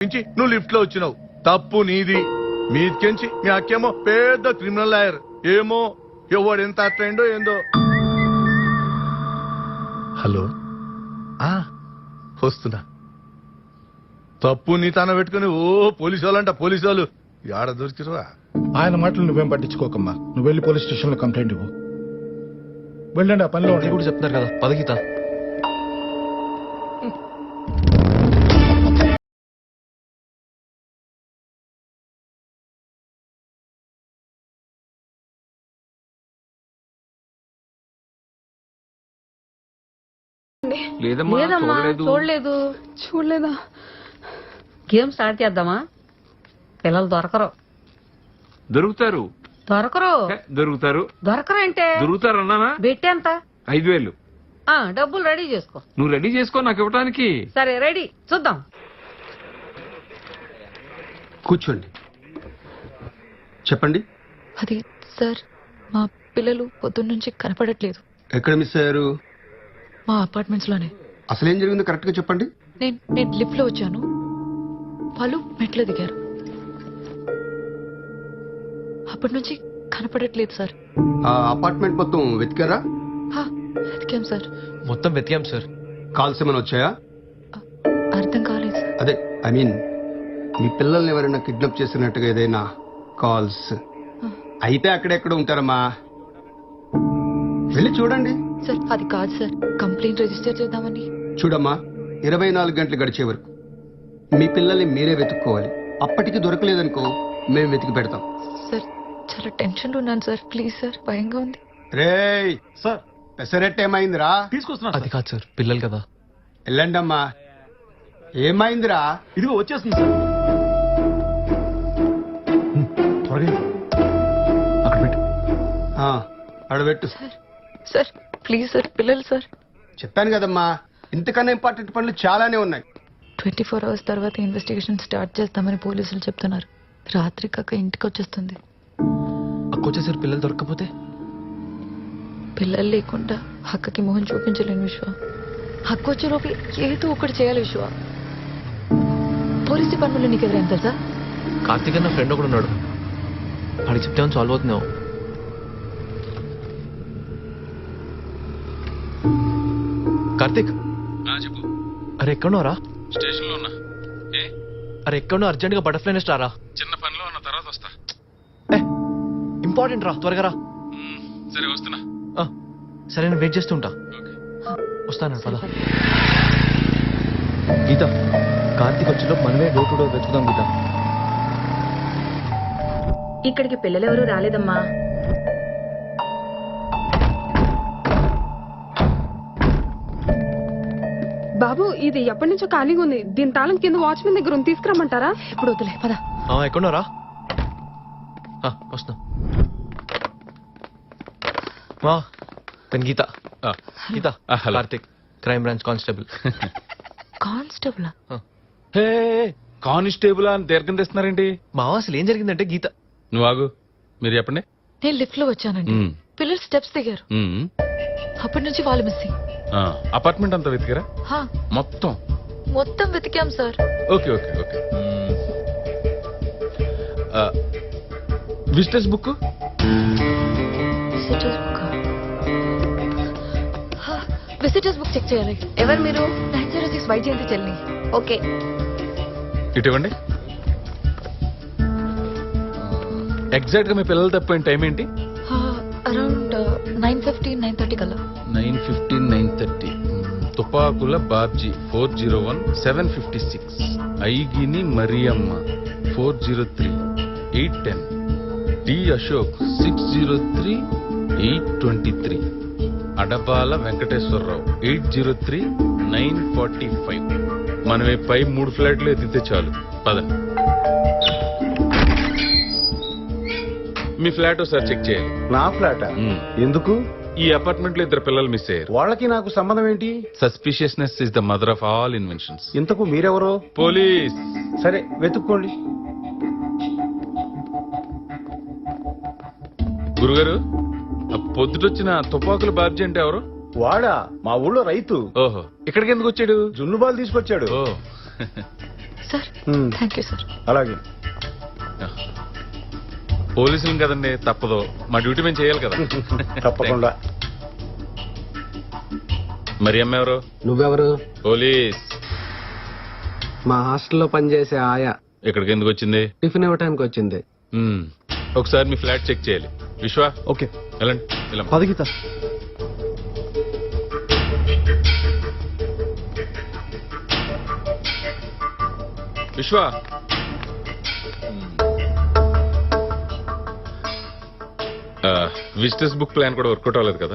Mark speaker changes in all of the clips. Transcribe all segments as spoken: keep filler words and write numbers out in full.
Speaker 1: నుంచి నువ్వు లిఫ్ట్ లో వచ్చినావు. తప్పు నీది. మీదికెంచి మీ అక్కేమో పెద్ద క్రిమినల్ లాయర్. ఏమో ఎవడు ఎంత అట్లయిండో ఏందో. హలో, ఆ వస్తున్నా. తప్పు నీ తన పెట్టుకుని ఓ పోలీసు వాళ్ళంట పోలీసు వాళ్ళు ఆడ దొరికిరువా.
Speaker 2: ఆయన మాటలు నువ్వేం పట్టించుకోకమ్మా. నువ్వు వెళ్ళి పోలీస్ స్టేషన్ లో కంప్లైంట్ ఇవ్వు. వెళ్ళండి, ఆ పనిలో
Speaker 3: కూడా చెప్తున్నారు కదా. పదగీత
Speaker 4: లేదమ్మా, చూడలేదు.
Speaker 5: చూడలేదా?
Speaker 4: గేమ్ స్టార్ట్ చేద్దామా? పిల్లలు దొరకరు.
Speaker 6: దొరుకుతారు
Speaker 4: దొరకరు
Speaker 6: దొరుకుతారు
Speaker 4: దొరకరు అంటే
Speaker 6: దొరుకుతారు అన్నానా?
Speaker 4: బెట్టి ఎంత?
Speaker 6: ఐదు వేలు.
Speaker 4: ఆ డబ్బులు రెడీ చేసుకో.
Speaker 6: నువ్వు రెడీ చేసుకో నాకు ఇవ్వడానికి.
Speaker 4: సరే రెడీ, చూద్దాం.
Speaker 7: కూర్చోండి, చెప్పండి.
Speaker 5: అది సార్, మా పిల్లలు పొద్దున్నుంచి కనపడట్లేదు.
Speaker 7: ఎక్కడ మిస్ అయ్యారు?
Speaker 5: మా అపార్ట్మెంట్స్ లోనే.
Speaker 7: అసలేం జరిగిందో కరెక్ట్ గా చెప్పండి.
Speaker 5: నేను నేను లిఫ్ట్ లో వచ్చాను, వాళ్ళు మెట్లు దిగారు. అప్పటి నుంచి కనపడట్లేదు సార్.
Speaker 7: ఆ అపార్ట్మెంట్ మొత్తం వెతికారా?
Speaker 5: హా, వెతికాం సార్.
Speaker 3: మొత్తం వెతికాం సార్.
Speaker 7: కాల్స్ ఏమైనా వచ్చాయా?
Speaker 5: అర్థం కాలేదు సార్.
Speaker 7: అదే ఐ మీన్ మీ పిల్లల్ని ఎవరైనా కిడ్నాప్ చేసినట్టుగా ఏదైనా కాల్స్ అయితే అక్కడెక్కడ ఉంటారమ్మా? వెళ్ళి చూడండి.
Speaker 5: సార్ అది కాదు సార్, కంప్లైంట్ రిజిస్టర్ చేద్దామని.
Speaker 7: చూడమ్మా, ఇరవై నాలుగు గంటలు గడిచే వరకు మీ పిల్లల్ని మీరే వెతుక్కోవాలి. అప్పటికి దొరకలేదనుకో మేము వెతికి పెడతాం.
Speaker 5: సార్ చాలా టెన్షన్ లో ఉన్నాను సార్, ప్లీజ్ సార్, భయంగా ఉంది.
Speaker 7: రేయ్ సార్, పెసరెట్ ఏమైందిరా?
Speaker 3: తీసుకొస్తున్నా. అది కాదు సార్, పిల్లలు కదా.
Speaker 7: వెళ్ళండమ్మా. ఏమైందిరా?
Speaker 2: ఇదిగో వచ్చేస్తుంది సార్. త్వరగా అక్కడ పెట్టు.
Speaker 7: అడబెట్టు.
Speaker 5: సార్ సార్ ప్లీజ్ సార్, పిల్లలు సార్.
Speaker 7: చెప్పాను కదమ్మా, ఇంతకన్నా ఇంపార్టెంట్ పనులు చాలానే ఉన్నాయి.
Speaker 5: ట్వంటీ ఫోర్ అవర్స్ తర్వాత ఇన్వెస్టిగేషన్ స్టార్ట్ చేస్తామని పోలీసులు చెప్తున్నారు. రాత్రి కాక ఇంటికి వచ్చేస్తుంది.
Speaker 3: అక్కొచ్చేసారు. పిల్లలు దొరకకపోతే
Speaker 5: పిల్లలు లేకుండా అక్కకి మొహం చూపించలేను విశ్వ. హక్కు వచ్చేలోపు ఏదో ఒకటి చేయాలి విశ్వ. పోలీస్ డిపార్ట్మెంట్లో నీకు ఎవరైనా తెలుసా?
Speaker 3: కార్తీక్ అన్న ఫ్రెండ్ ఒకడు ఉన్నాడు, వాడికి చెప్తే సాల్వ్ అవుతున్నావు. కార్తీక్,
Speaker 6: చెప్పు.
Speaker 3: అరే ఎక్కడున్నారా?
Speaker 6: స్టేషన్ లో ఉన్నా. ఏ
Speaker 3: అరే ఎక్కడున్నా? అర్జెంట్ గా బటర్ఫ్లై నెస్ట్ రారా.
Speaker 6: చిన్న పనిలో ఉన్న తర్వాత వస్తా.
Speaker 3: ఇంపార్టెంట్ రా, త్వరగా రా.
Speaker 6: సరే వస్తున్నా.
Speaker 3: ఆ, సరే నేను వెయిట్ చేస్తుంటా. వస్తాను పద. గీత, కార్తీక్ వచ్చేలో మనమే డోర్ టు డోర్ వెతుకుదాం. గీత,
Speaker 8: ఇక్కడికి పిల్లలెవరూ రాలేదమ్మా.
Speaker 9: బాబు, ఇది ఎప్పటి నుంచో ఖాళీగా ఉంది. దీని తాళం కింద వాచ్మెన్ దగ్గర ఉంది, తీసుకురమ్మంటారా?
Speaker 5: ఇప్పుడు వద్దులే, పద.
Speaker 3: ఎక్కడున్నారా? వస్తున్నా. మా పెన్ Geeta. Geeta, Karthik, crime branch constable.
Speaker 5: Constable?
Speaker 6: Constable అని దీర్ఘం తెస్తున్నారేంటి?
Speaker 3: మా అసలు ఏం జరిగిందంటే గీత.
Speaker 6: నువ్వు ఆగు, మీరు చెప్పండి.
Speaker 5: నేను లిఫ్ట్ లో వచ్చానండి, పిల్లలు స్టెప్స్ దిగారు. అప్పటి నుంచి వాళ్ళు మిస్సింగ్.
Speaker 6: అపార్ట్మెంట్ అంతా వెతికారా? మొత్తం
Speaker 5: మొత్తం వెతికాం sir.
Speaker 6: Okay okay okay. Visitors book
Speaker 5: visitors book check చేయాలి.
Speaker 8: ఎవరు మీరు?
Speaker 5: నైన్ జీరో సిక్స్ వైజయంతి చెల్లి.
Speaker 8: ఓకే,
Speaker 6: ఇటు ఇవ్వండి. ఎగ్జాక్ట్ గా మీ పిల్లలు తప్పిపోయిన టైం ఏంటి?
Speaker 5: Around nine fifteen nine thirty కల్లా.
Speaker 6: Nine fifteen nine thirty. Tupakula Babji four zero one seven fifty six. Aigini Mariyamma four zero three eight ten. D Ashok six zero three eight twenty three. Adabala Venkateswararao eight zero three nine forty five. మనమే పై మూడు ఫ్లాట్లు ఎత్తితే చాలు. పదండి, మీ flat ఒకసారి check చేయాలి.
Speaker 2: నా ఫ్లాట్ ఎందుకు?
Speaker 6: ఈ అపార్ట్మెంట్ లో ఇద్దరు పిల్లలు మిస్ అయ్యారు.
Speaker 2: వాళ్ళకి నాకు సంబంధం ఏంటి?
Speaker 6: Suspiciousness is the mother of all inventions.
Speaker 2: ఇంతకు మీరెవరో?
Speaker 6: పోలీస్.
Speaker 2: సరే వెతుక్కోండి.
Speaker 6: గురుగారు, పొద్దుటొచ్చిన తుపాకుల బాబ్జీ అంటే ఎవరు?
Speaker 2: వాడా? మా ఊళ్ళో రైతు.
Speaker 6: ఓహో, ఇక్కడికి ఎందుకు వచ్చాడు?
Speaker 2: జున్నుబాలు తీసుకొచ్చాడు.
Speaker 6: ఓ
Speaker 5: సార్ థ్యాంక్ యూ సార్.
Speaker 2: అలాగే
Speaker 6: పోలీసులు కదండి, తప్పదు. మా డ్యూటీ మేము చేయాలి కదా.
Speaker 2: తప్పకుండా.
Speaker 6: మరి అమ్మ ఎవరు?
Speaker 7: నువ్వెవరు?
Speaker 6: పోలీస్.
Speaker 7: మా హాస్టల్లో పనిచేసే ఆయా.
Speaker 6: ఇక్కడికి ఎందుకు వచ్చింది?
Speaker 7: టిఫిన్ ఇవ్వడానికి వచ్చింది.
Speaker 6: మ్మ్. ఒకసారి మీ ఫ్లాట్ చెక్ చేయాలి. విశ్వ
Speaker 3: ఓకే
Speaker 6: వెళ్ళండి. వెళ్ళమ్మా.
Speaker 3: పదగీత.
Speaker 6: విశ్వ విజిటర్స్ బుక్ ప్లాన్ కూడా వర్కౌట్ అవ్వలేదు కదా.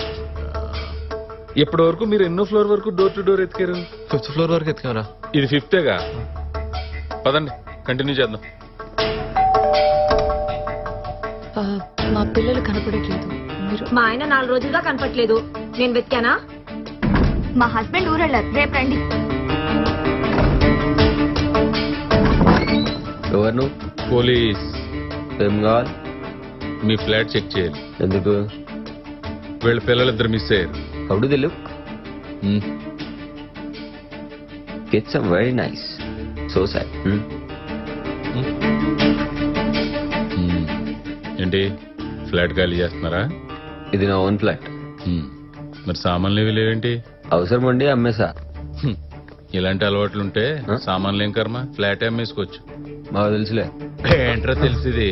Speaker 6: ఇప్పటి వరకు మీరు ఎన్నో ఫ్లోర్ వరకు డోర్ టు డోర్ ఎత్తికారు?
Speaker 3: ఫిఫ్త్ ఫ్లోర్ వరకు ఎత్తుకారా?
Speaker 6: ఇది ఫిఫ్తేగా. పదండి కంటిన్యూ చేద్దాం.
Speaker 5: ఆ, మా పిల్లలు కనపడట్లేదు. మీరు
Speaker 8: మా ఆయన నాలుగు రోజులుగా కనపట్లేదు. నేను వెతికానా?
Speaker 10: మా హస్బెండ్ ఊరెళ్ళారు, రేపు రండి.
Speaker 11: ఎవరు నువ్వు?
Speaker 6: పోలీస్.
Speaker 11: ఏం కావాలి?
Speaker 6: మీ ఫ్లాట్ చెక్ చేయాలి.
Speaker 11: ఎందుకు?
Speaker 6: వీళ్ళ పిల్లలిద్దరు మిస్ అయ్యారు.
Speaker 11: How do they look? It's very nice. So sad.
Speaker 6: ఏంటి ఫ్లాట్ ఖాళీ చేస్తున్నారా?
Speaker 11: ఇది నా ఓన్ ఫ్లాట్.
Speaker 6: హ్మ్. మరి సామాన్లు ఇవి లేవేంటి?
Speaker 11: అవసరం ఉండి అమ్మేసా.
Speaker 6: హ్మ్. ఇలాంటి అలవాట్లుంటే సామాన్లు ఏం కర్మ, ఫ్లాట్ అమ్మేసుకోవచ్చు.
Speaker 11: మాకు తెలుసులే.
Speaker 6: ఏంట్రా తెలిసింది?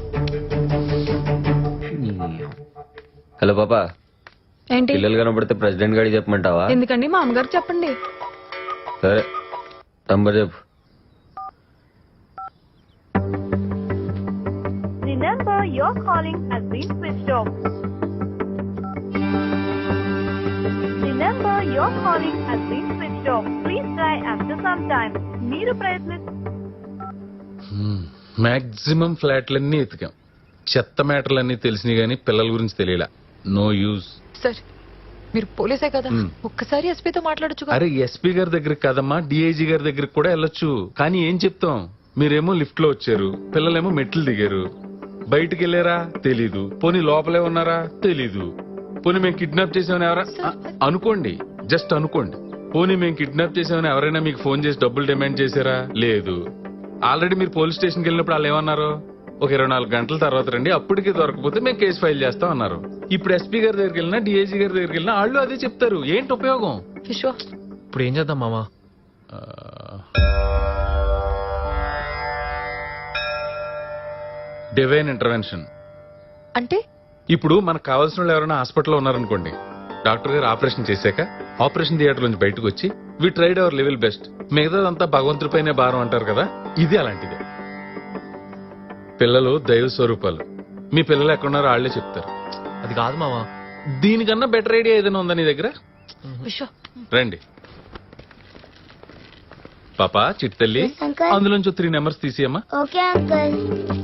Speaker 11: హలో పాపా,
Speaker 9: ఏంటి?
Speaker 11: పిల్లలు కనబడితే ప్రెసిడెంట్ గారికి చెప్పమంటావా?
Speaker 9: ఎందుకండి మా అమ్మగారు చెప్పండి.
Speaker 11: సరే నంబర్ చెప్పు.
Speaker 10: The number you're calling has been switched off. The number you're calling has been switched off. Please try after some time. మీరు ప్రయత్ని
Speaker 6: మాక్సిమం ఫ్లాట్లన్నీ ఎతికాం. చెత్త మ్యాటర్లన్నీ తెలిసినాయి కానీ పిల్లల గురించి తెలియలా. No use.
Speaker 5: సార్ మీరు పోలీసే కదా,
Speaker 6: మ్.
Speaker 5: ఒక్కసారి ఎస్పీతో మాట్లాడొచ్చు కదా.
Speaker 6: అరే ఎస్పీ గారి దగ్గరికి కదమ్మా, డిఐజీ గారి దగ్గరికి కూడా వెళ్ళొచ్చు. కానీ ఏం చెప్తాం? మీరేమో లిఫ్ట్ లో వచ్చారు, పిల్లలేమో మెట్లు దిగారు. బయటికి వెళ్ళారా తెలీదు. పోనీ లోపలే ఉన్నారా తెలీదు. పోనీ మేము కిడ్నాప్ చేసామని ఎవరా అ- అనుకోండి, జస్ట్ అనుకోండి. పోనీ మేము కిడ్నాప్ చేసామని ఎవరైనా మీకు ఫోన్ చేసి డబ్బులు డిమాండ్ చేశారా? లేదు. ఆల్రెడీ మీరు పోలీస్ స్టేషన్కి వెళ్ళినప్పుడు వాళ్ళు ఏమన్నారు? ఒక ఇరవై నాలుగు గంటల తర్వాత రండి, అప్పటికి దొరకపోతే మేము కేసు ఫైల్ చేస్తాం అన్నారు. ఇప్పుడు ఎస్పీ గారి దగ్గరికి వెళ్ళినా డిఐజీ గారి దగ్గరికి వెళ్ళినా వాళ్ళు అదే చెప్తారు. ఏంటి ఉపయోగం?
Speaker 5: విశ్వ
Speaker 3: ఇప్పుడు ఏం చేద్దాం మామా?
Speaker 6: Divine intervention.
Speaker 5: అంటే
Speaker 6: ఇప్పుడు మనకు కావాల్సిన వాళ్ళు ఎవరైనా హాస్పిటల్లో ఉన్నారనుకోండి, డాక్టర్ గారు ఆపరేషన్ చేశాక ఆపరేషన్ థియేటర్ నుంచి బయటకు వచ్చి we tried our level best, మిగతాదంతా భగవంతుడిపైనే భారం అంటారు కదా, ఇది అలాంటిదే. పిల్లలు దైవ స్వరూపాలు. మీ పిల్లలు ఎక్కడున్నారో వాళ్లే చెప్తారు.
Speaker 3: అది కాదు మామా.
Speaker 6: దీనికన్నా బెటర్ ఐడియా ఏదైనా ఉందా నీ దగ్గర?
Speaker 5: విశ్వ
Speaker 6: రండి పాపా, చిట్టల్లి, అందులోంచి త్రీ నెంబర్స్ తీసేయమ్మా.
Speaker 10: Okay uncle.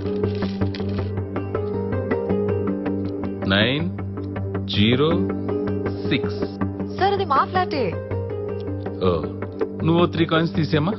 Speaker 6: Nine zero six.
Speaker 5: Sir అది మా ఫ్లాటే.
Speaker 6: ఓ, నువ్వు త్రీ కాయిన్స్ తీసేయమ్మా.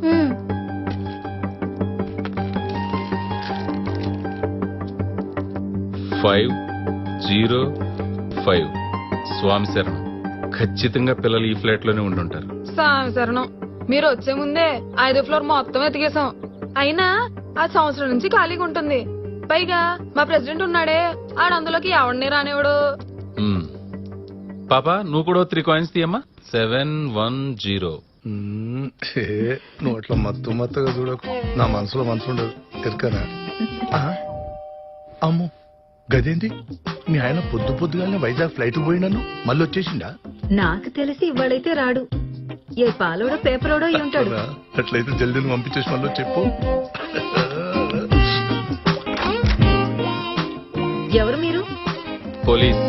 Speaker 6: Five zero five. స్వామి శరణం. ఖచ్చితంగా పిల్లలు ఈ ఫ్లాట్ లోనే ఉండుంటారు.
Speaker 9: స్వామి శరణం. మీరు వచ్చే ముందే ఐదో ఫ్లోర్ మొత్తం ఎతికేసాం. అయినా ఆ సంవత్సరం నుంచి ఖాళీగా ఉంటుంది. పైగా మా ప్రెసిడెంట్ ఉన్నాడే, ఆడ అందులోకి ఎవడిని రానివాడు.
Speaker 6: మ్మ్. పాపా నువ్వు కూడా త్రీ కాయిన్స్ తీయమ్మా. Seven one zero.
Speaker 1: మ్మ్. ఏ, నువ్వు అట్లా మత్తు మత్తుగా చూడకు. నా మనసులో మనసు ఉండదు ఎరకనా? అమ్ము గదేంది? మీ ఆయన పొద్దు పొద్దుగానే వైజాగ్ ఫ్లైట్ పోయినాను మళ్ళీ వచ్చేసిండా?
Speaker 8: నాకు తెలిసి ఇవాళైతే రాడు. ఏ పాలోడో పేపరోడో అయి ఉంటాడు.
Speaker 1: అట్లయితే జల్దీ పంపించేసి మళ్ళీ చెప్పు.
Speaker 8: ఎవరు మీరు?
Speaker 6: పోలీస్.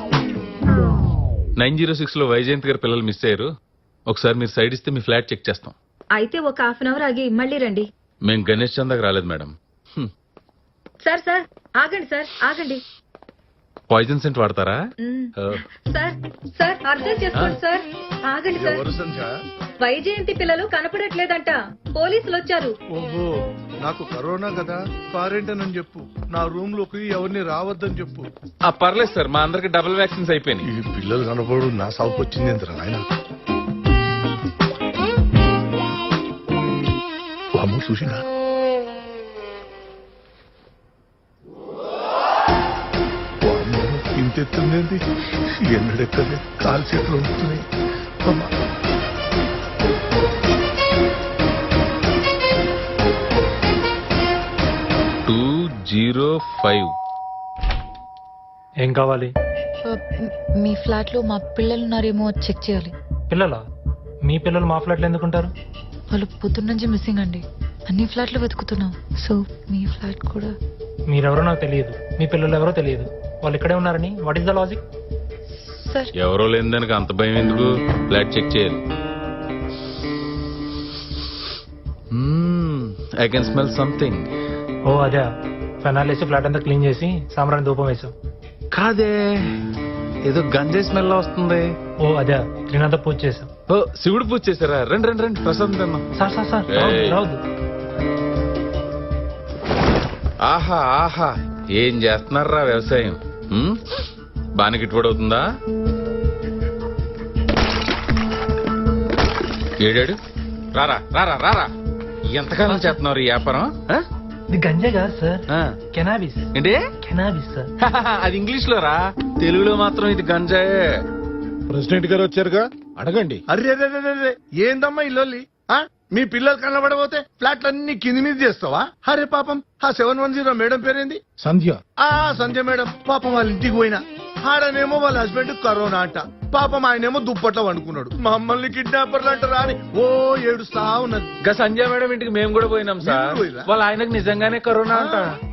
Speaker 6: నైన్ జీరో సిక్స్ లో వైజయంత్ గారి పిల్లలు మిస్ అయ్యారు. ఒకసారి మీరు సైడ్ ఇస్తే మీ ఫ్లాట్ చెక్ చేస్తాం.
Speaker 8: అయితే ఒక హాఫ్ అన్ అవర్ ఆగి మళ్ళీ రండి.
Speaker 6: మేము గణేష్ చందాకి రాలేదు మేడం. హ్మ్.
Speaker 8: సార్ సార్ ఆగండి సార్ ఆగండి.
Speaker 6: పాయిజన్ సెంట్ వాడతారా?
Speaker 8: మ్.
Speaker 6: ఓ.
Speaker 8: సార్ సార్ అర్థం చేసుకోండి సార్. ఆగండి సార్.
Speaker 1: ఎవరు సంధ్య?
Speaker 8: వైజయంతి పిల్లలు కనపడట్లేదంట. పోలీసులు వచ్చారు.
Speaker 1: ఓహో, నాకు కరోనా కదా, క్వారంటైన్ అని చెప్పు. నా రూమ్ లోకి ఎవరిని రావద్దని చెప్పు.
Speaker 6: ఆ, పర్లేదు సార్, మా అందరికి డబుల్ వ్యాక్సిన్స్ అయిపోయినాయి.
Speaker 1: ఈ పిల్లలు కనపడు నా సాగు వచ్చింది ఎంత ఆయన. అమ్ము చూసినా ఇంతెత్తుందేంటి ఎన్నడెక్కలే కాలు చేతులు ఉంటున్నాయి అమ్మా.
Speaker 6: టూ జీరో ఫైవ్
Speaker 12: ఏం కావాలి?
Speaker 5: ఆ, మ్- మీ ఫ్లాట్ లో మా పిల్లలు ఉన్నారేమో చెక్ చేయాలి.
Speaker 12: పిల్లలా? మీ పిల్లలు మా ఫ్లాట్లో ఎందుకుంటారు?
Speaker 5: వాళ్ళు పొద్దున్న నుంచి మిస్సింగ్ అండి. అన్ని ఫ్లాట్లు వెతుకుతున్నాం. సో మీ ఫ్లాట్ కూడా.
Speaker 12: మీరెవరో నాకు తెలియదు, మీ పిల్లలు ఎవరో తెలియదు. వాళ్ళు ఇక్కడే ఉన్నారని what is the logic?
Speaker 5: Sir
Speaker 6: ఎవరో లేని దానికి అంత భయం ఎందుకు? ఫ్లాట్ చెక్ చేయాలి. I can smell something.
Speaker 12: ఓ అదే, ఫెనాల్ వేసి ఫ్లాట్ అంతా క్లీన్ చేసి సాంబ్రాన్ని ధూపం వేసాం.
Speaker 6: కాదే, ఏదో గంజాయి స్మెల్ వస్తుంది.
Speaker 12: ఓ అదే, త్రినాథ పూజ చేసాం.
Speaker 6: ఓ శివుడు పూజ చేశారా? రండి రండి రండి, ప్రసాదం తిన్నాం.
Speaker 12: సార్ సార్ సార్
Speaker 6: ఏయ్.
Speaker 12: రావద్దు.
Speaker 6: ఆహా ఆహా, ఏం చేస్తున్నారా వ్యవసాయం? ఉమ్, బాగా గిట్టుబడి అవుతుందా? ఏడాడు రారా రారా రారా, ఎంతకాలం చేస్తున్నారు ఈ వ్యాపారం? ఆ?
Speaker 12: ఇది గంజా కాదు సార్,
Speaker 6: ఆ.
Speaker 12: కెనాబిస్.
Speaker 6: ఏంటి?
Speaker 12: Cannabis sir.
Speaker 6: అది ఇంగ్లీష్ లో రా, తెలుగులో మాత్రం ఇది గంజాయే.
Speaker 2: ప్రెసిడెంట్ గారు వచ్చారుగా, అడగండి.
Speaker 1: అరే అరే అరే, అరే ఏందమ్మా ఇల్లు? మీ పిల్లలు కనబడబోతే ఫ్లాట్లన్నీ కింది మీద చేస్తావా? అరే పాపం, ఆ సెవెన్ వన్ జీరో మేడం పేరేంది?
Speaker 2: సంధ్య.
Speaker 1: ఆ సంజయ్ మేడం పాపం వాళ్ళ ఇంటికి పోయినా, ఆడనేమో వాళ్ళ హస్బెండ్ కరోనా అంట, పాపం ఆయనేమో దుప్పట్లో వండుకున్నాడు. మమ్మల్ని కిడ్నాపర్లు అంటారా అని ఓ ఏడుస్తా ఉన్నది.
Speaker 6: ఇంకా సంజయ్ మేడం ఇంటికి మేము కూడా పోయినాం సార్.
Speaker 1: మీరు పోయిర్రా?
Speaker 6: వాళ్ళ ఆయనకు నిజంగానే కరోనా అంట.